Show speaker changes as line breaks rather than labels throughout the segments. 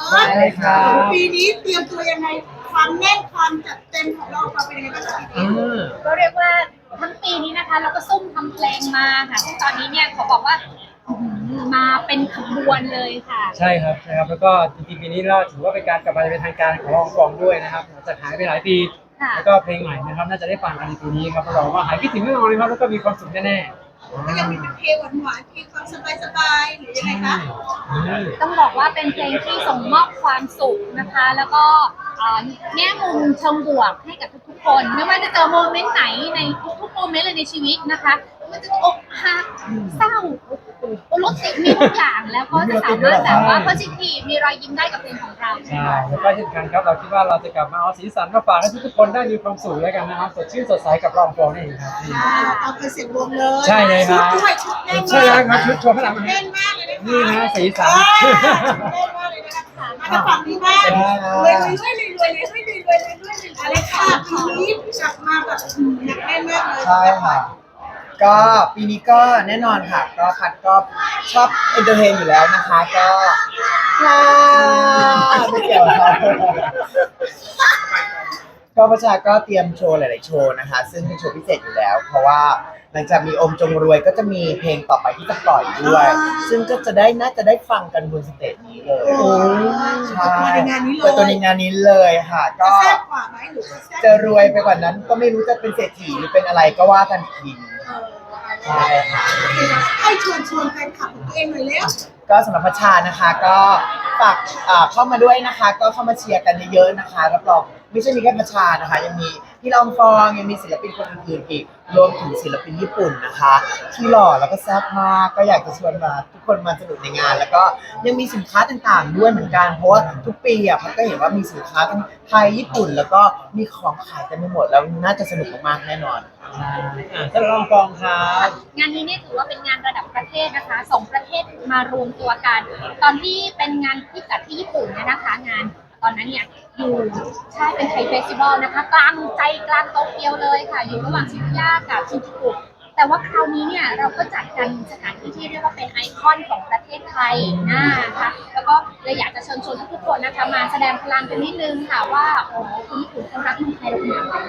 ได้เลยครับ
ปีนี้เตรียมตัวยังไงความแน่นความจัดเต็มของเราเป็นยังไงบ้างคะปีนี้
ก็เรียกว่าทั้งปีนี้นะคะเราก็ซุ่มทำเพลงมาค่ะซึ่งตอนนี้เนี่ยเขาบอกว่ามาเป็นขบวนเลยค่ะ
ใช่ครับแล้วก็จริงๆปีนี้เราถือว่าเป็นการกลับมาเป็นทางการขององค์กรด้วยนะครับหลังจากหายไปหลายปีแล้วก็เพลงใหม่นะครับน่าจะได้ฟังกันในปีนี้ครับรับรองว่าหายคิดถึงแน่นอนเลยครับแล้วก็มีความสุขแน่
ก็ยังมีเป็นเพลงหวานๆเพลงความสบายๆหรือยังไงคะ
ต้องบอกว่าเป็นเพลงที่ส่งมอบความสุขนะคะ แล้วก็แง่มุมเชิงบวกให้กับทุกๆคนไม่ว่าจะเจอโมเมนต์ไหนในทุกๆโมเมนต์เลยในชีวิตนะคะมันจะอกหักเศร้ารถติดมีทุกอย่างแล้วก็จะสามารถแบบว่า positive มีรอยยิ้มได้กับเพลงของเรา
ใช่แล้วก็เช่นกันครับเราคิดว่าเราจะกลับมาเอาสีสันมาฝากให้ทุกๆคนได้มีความสุขแล้วกันนะครับสดชื่นสดใสกับรองฟองนี่เองครับ
เอาไปเสียงวงเลย
ใช่เลยครับ
ชุดด้วยชุดแน่น
ใช่แล้วครับชุดโชว์ข้างหลัง
แน่นมากเลยนะคะ
นี่นะสีสัน
แน่นมากเลยนะคะมาจากฝั่งนี้บ้างรวยอะไรค่ะปีนี้กลับมาแบบหนักแน่นมากเลย
ใช่ค่ะก็ปีนี้ก็แน่นอนค่ะก็พัดก็ชอบเอนเตอร์เทนอยู่แล้วนะคะก็ไม่เกี่ยวครับก็ประชาก็เตรียมโชว์หลายๆโชว์นะคะซึ่งเป็นโชว์พิเศษอยู่แล้วเพราะว่าหลังจากมีอมจงรวยก็จะมีเพลงต่อไปที่จะปล่อยด้วยซึ่งก็จะได้น่าจะได้ฟังกันบนสเตจนี้เลยใช่เปิดตัวในงานนี้เลยค่ะก็
แซ่บกว่าไหมหรือจะแซ่บ
จะรวยไปกว่านั้นก็ไม่รู้จะเป็นเศรษฐีหรือเป็นอะไรก็ว่ากันทีใช่ค่ะ
ให้ชวนแฟนคลับของตัวเองหน่อยเร็ว
ก็สำหรับพัชชานะคะก็ฝากเข้ามาด้วยนะคะก็เข้ามาเชียร์กันเยอะๆนะคะรับรองไม่ใช่มีแค่พัชชานะคะยังมีพี่ลองฟองยังมีศิลปินคนอื่นๆอีกรวมถึงศิลปินญี่ปุ่นนะคะที่หล่อแล้วก็แซ่บมากก็อยากจะชวนมาทุกคนมาสนุกในงานแล้วก็ยังมีสินค้าต่างๆด้วยเหมือนกันเพราะว่าทุกปีพัดก็เห็นว่ามีสินค้าทั้งไทยญี่ปุ่นแล้วก็มีของขายกันไปหมดแล้วน่าจะสนุกมากๆแน่นอน
ท่านรองฟองครับ
งานนี้เนี่ยถือว่าเป็นงานระดับประเทศนะคะสองประเทศมารวมตัวกัน ตอนที่เป็นงานที่จัดที่ญี่ปุ่นเนี่ยนะคะงานตอนนั้นเนี่ยอยู่ใช่เป็นไทยเฟสติวัลนะคะกลางใจกลางโตเกียวเลยค่ะอยู่ระหว่างชิบุย่ากับชินจูกุแต่ว่าคราวนี้เนี่ยเราก็จัดกันสถานที่ที่เรียกว่าเป็นไอคอนของประเทศไทยนะคะแล้วก็เลยอยากจะเชิญชวนทุกคนนะคะมาแสดงพลังกันนิดนึงค่ะว่าโอ้โหคนญี่ปุ่นเขารักเมืองไทยเราขนาดไหน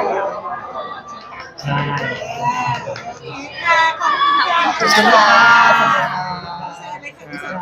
ใช่
ขอบคุณค่ะ
ขอบคุณค่ะ